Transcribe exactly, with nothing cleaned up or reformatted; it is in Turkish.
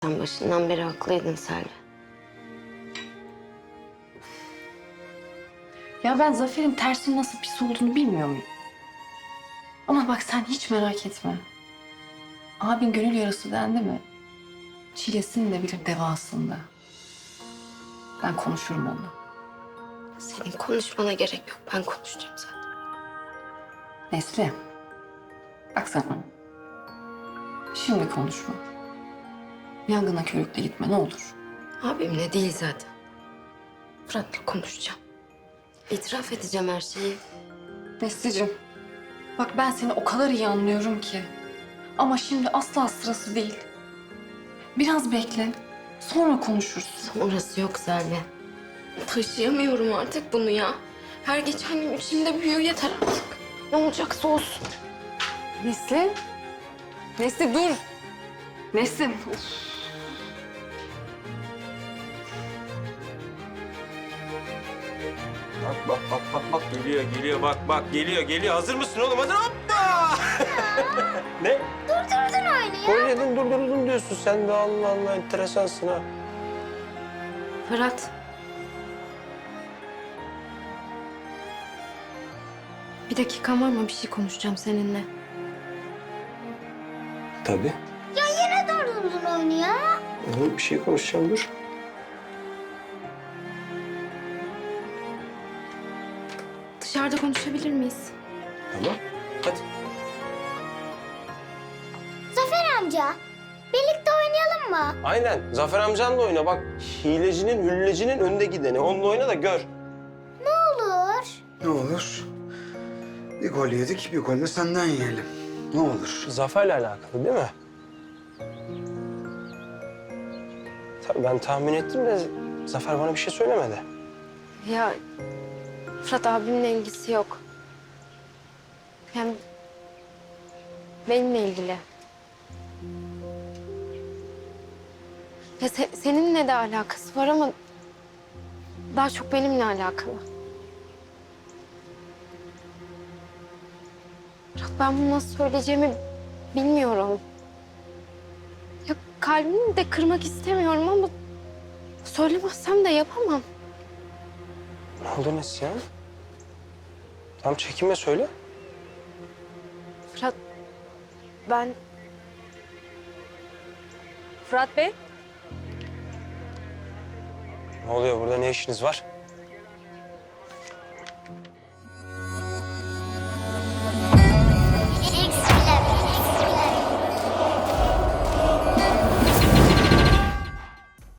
Sen başından beri haklıydın Selvi. Ya ben Zafer'in tersinin nasıl pis olduğunu bilmiyor muyum? Ama bak sen hiç merak etme. Abin gönül yarası dendi mi? Çilesini de bilir devasında. Ben konuşurum onunla. Senin konuşmana gerek yok. Ben konuşacağım zaten. Nesli. Bak sen. Şimdi konuşma. Yangına körükle gitme ne olur. Abimle değil zaten. Fırat'la konuşacağım. İtiraf edeceğim her şeyi. Nesli'cim. Bak ben seni o kadar iyi anlıyorum ki. Ama şimdi asla sırası değil. Biraz bekle. Sonra konuşuruz. Orası yok Selvi. Taşıyamıyorum artık bunu ya. Her geçen gün içimde büyüyor, yeter artık. Ne olacaksa olsun. Nesli. Nesli dur. Nesli. Of. Bak bak bak bak bak geliyor geliyor bak bak geliyor geliyor. Hazır mısın oğlum? Hadi hoppa! Ne? Durdurdun oyunu ya. Oynadın durdurdun diyorsun sen de Allah Allah enteresansın ha. Fırat. Bir dakikan var mı? Bir şey konuşacağım seninle. Tabii. Ya yine durdurdun oyunu ya. Oğlum bir şey konuşacağım dur. Dışarıda konuşabilir miyiz? Tamam. Hadi. Zafer amca, birlikte oynayalım mı? Aynen. Zafer amcanla oyna bak. Hilecinin, hüllecinin önde gideni. Onunla oyna da gör. Ne olur. Ne olur? Bir gol yedik, bir gol de senden yiyelim. Ne olur? Zafer'le alakalı değil mi? Tabii ben tahmin ettim de Zafer bana bir şey söylemedi. Ya Fırat abimle ilgisi yok. Hem benimle ilgili. Ya se- seninle de alakası var ama daha çok benimle alakalı. Fırat ben bunu nasıl söyleyeceğimi bilmiyorum. Ya kalbini de kırmak istemiyorum ama söylemezsem de yapamam. Ne oldu Neslihan? Tamam çekinme söyle. Fırat ben... Fırat Bey, Ne oluyor burada? Ne işiniz var?